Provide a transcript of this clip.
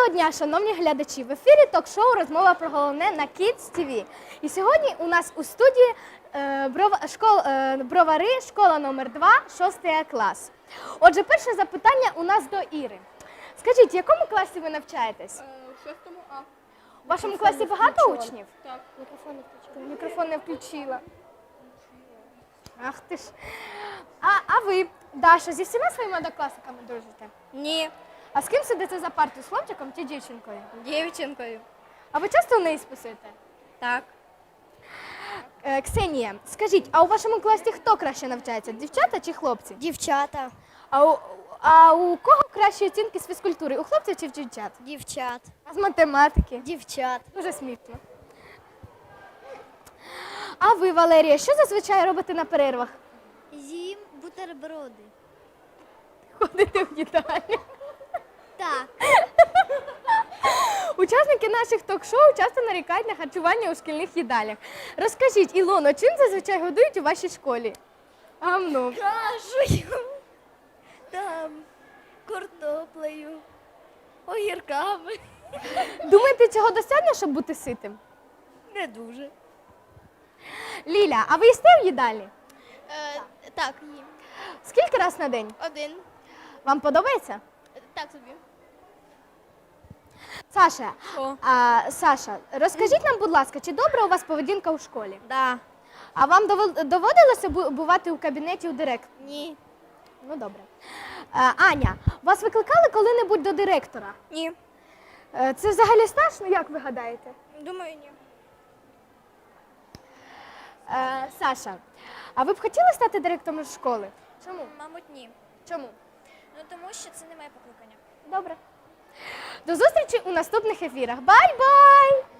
Доброго дня, шановні глядачі! В ефірі ток-шоу «Розмова про головне» на Kids TV. І сьогодні у нас у студії бровари, школа номер 2, 6 клас. Отже, перше запитання у нас до Іри. Скажіть, в якому класі ви навчаєтесь? У 6 А. У вашому класі багато учнів? Так. Мікрофон не включила. Ах ти ж. А ви, Даша, зі всіма своїми однокласниками дружите? Ні. А з ким сидите за партою? З хлопчиком чи дівчинкою? Дівчинкою. А ви часто в неї списуєте? Так. Ксенія, скажіть, а у вашому класі хто краще навчається? Дівчата чи хлопці? Дівчата. А у кого кращі оцінки з фізкультури? У хлопців чи в дівчат? Дівчат. А з математики? Дівчат. Дуже смішно. А ви, Валерія, що зазвичай робите на перервах? Їм бутерброди. Ходите в їдальню. Так. Учасники наших ток-шоу часто нарікають на харчування у шкільних їдалях. Розкажіть, Ілоно, чим зазвичай годують у вашій школі? Гамно. Кашею. Там картоплею. Огірками. Думаєте, цього достатньо, щоб бути ситим? Не дуже. Ліля, а ви їсте в їдальні? Так, їм. Скільки раз на день? Один. Вам подобається? Так собі. Саша, О. Саша, розкажіть нам, будь ласка, чи добра у вас поведінка у школі? Да. А вам доводилося бувати у кабінеті у директора? Ні. Ну, добре. Аня, вас викликали коли-небудь до директора? Ні. Це взагалі страшно, як ви гадаєте? Думаю, ні. Саша, а ви б хотіли стати директором школи? Чому? Мабуть, ні. Чому? Ну, тому що це не моє покликання. Добре. До зустрічі у наступних ефірах. Бай-бай!